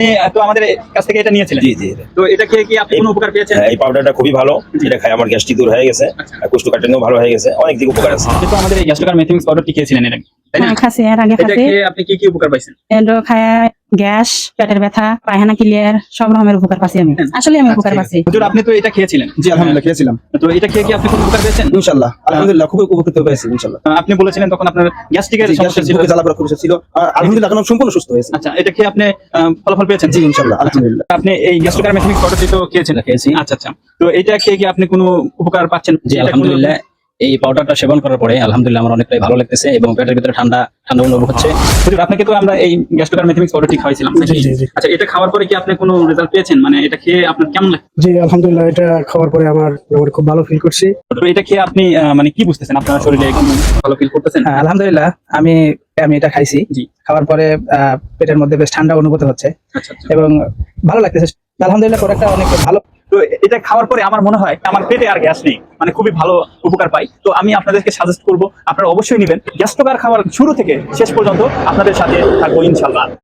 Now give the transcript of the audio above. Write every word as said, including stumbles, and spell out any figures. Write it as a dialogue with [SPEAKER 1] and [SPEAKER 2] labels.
[SPEAKER 1] তো আমাদের কাছ থেকে এটা নিয়েছিলেন।
[SPEAKER 2] জি জি
[SPEAKER 1] তো এটা খেয়ে কি আপনি কোনো উপকার পেয়েছেন?
[SPEAKER 2] হ্যাঁ, এই পাউডারটা খুবই ভালো। এটা খাই আমার গ্যাস্ট্রিক দূর হয়ে গেছে, আর কোষ্ঠকাঠিন্য ভালো হয়ে গেছে, অনেক দিক উপকার আছে।
[SPEAKER 1] কিন্তু আমাদের এই গ্যাস্ট্রোকার মেথিমিক্স পাউডারটি খেয়েছিলেন এর আগে, তাই না?
[SPEAKER 3] হ্যাঁ, খাসি এর আগে
[SPEAKER 1] এটা
[SPEAKER 3] খাসি
[SPEAKER 1] খেয়ে আপনি কি কি উপকার পাইছেন?
[SPEAKER 3] এন্ডো খায় গ্যাস, পেটের ব্যথা, পায়খানা ক্লিয়ার, সব রকমের উপকার পাচ্ছি আমি। আসলে আমি উপকার পাচ্ছি।
[SPEAKER 1] হুজুর, আপনি তো এটা খেয়েছিলেন।
[SPEAKER 4] জি আলহামদুলিল্লাহ খেয়েছিলাম
[SPEAKER 1] তো এটা খেয়ে কি আপনি কোনো উপকার পেয়েছেন?
[SPEAKER 4] ইনশাআল্লাহ আলহামদুলিল্লাহ খুবই উপকৃত হয়েছি ইনশাআল্লাহ।
[SPEAKER 1] আহ, আপনি বলেছিলেন তখন আপনার গ্যাস্ট্রিকের
[SPEAKER 4] জি,
[SPEAKER 1] সমস্যা
[SPEAKER 4] গ্যাসের
[SPEAKER 1] ছিল।
[SPEAKER 4] বুকে জ্বালা পোড়া খুব বেশি ছিল আর আলহামদুলিল্লাহ এখন আমি সম্পূর্ণ সুস্থ হয়েছি।
[SPEAKER 1] আচ্ছা, এটা খেয়ে আপনি আহ, ফলাফল পেয়েছেন?
[SPEAKER 4] জি ইনশাআল্লাহ আলহামদুলিল্লাহ।
[SPEAKER 1] আপনি এই গ্যাস্ট্রোকার মেথিমিক্স পাউডারটি তো খেয়েছিলেন।
[SPEAKER 5] খেয়েছি।
[SPEAKER 1] আচ্ছা আচ্ছা, তো এটা খেয়ে কি আপনি কোনো উপকার পাচ্ছেন?
[SPEAKER 5] জি আলহামদুলিল্লাহ, এই পাউডারটা সেবন করার পরে আলহামদুলিল্লাহ আমার অনেকটাই ভালো লাগতেছে এবং পেটের ভিতরে ঠান্ডা ঠান্ডা অনুভব হচ্ছে।
[SPEAKER 1] হুজুর, আপনাকে তো আমরা এই গ্যাস্ট্রোকার মেথিমিক্স পাউডারটি খাওয়াইছিলাম।
[SPEAKER 6] জি, জি, জি।
[SPEAKER 1] আচ্ছা, এটা খাওয়ার পরে কি আপনি কোনো রেজাল্ট পেয়েছেন? মানে এটা খেয়ে আপনার কেমন লাগে?
[SPEAKER 6] জি আলহামদুলিল্লাহ, এটা খাওয়ার পরে আমার আমার খুব ভালো ফিল করছি।
[SPEAKER 1] তো এটা খেয়ে আপনি আহ, মানে কি বুঝতেছেন? আপনার শরীরে একদম ভালো ফিল করতেছেন?
[SPEAKER 7] হ্যাঁ, আলহামদুলিল্লাহ আমি আমি এটা খাইছি।
[SPEAKER 1] জি।
[SPEAKER 7] খাওয়ার পরে আহ, পেটের মধ্যে বেশ ঠান্ডা অনুভূত হচ্ছে
[SPEAKER 1] আচ্ছা আচ্ছা।
[SPEAKER 7] এবং ভালো লাগতেছে। আলহামদুলিল্লাহ প্রোডাক্টটা অনেক ভালো।
[SPEAKER 1] তো এটা খাওয়ার পরে আমার মনে হয় আমার পেটে আর গ্যাস নেই, মানে খুবই ভালো উপকার পাই। তো আমি আপনাদেরকে সাজেস্ট করবো আপনারা অবশ্যই নেবেন। গ্যাস্ট্রোকার খাওয়ার শুরু থেকে শেষ পর্যন্ত আপনাদের সাথে থাকবো ইনশাল্লাহ।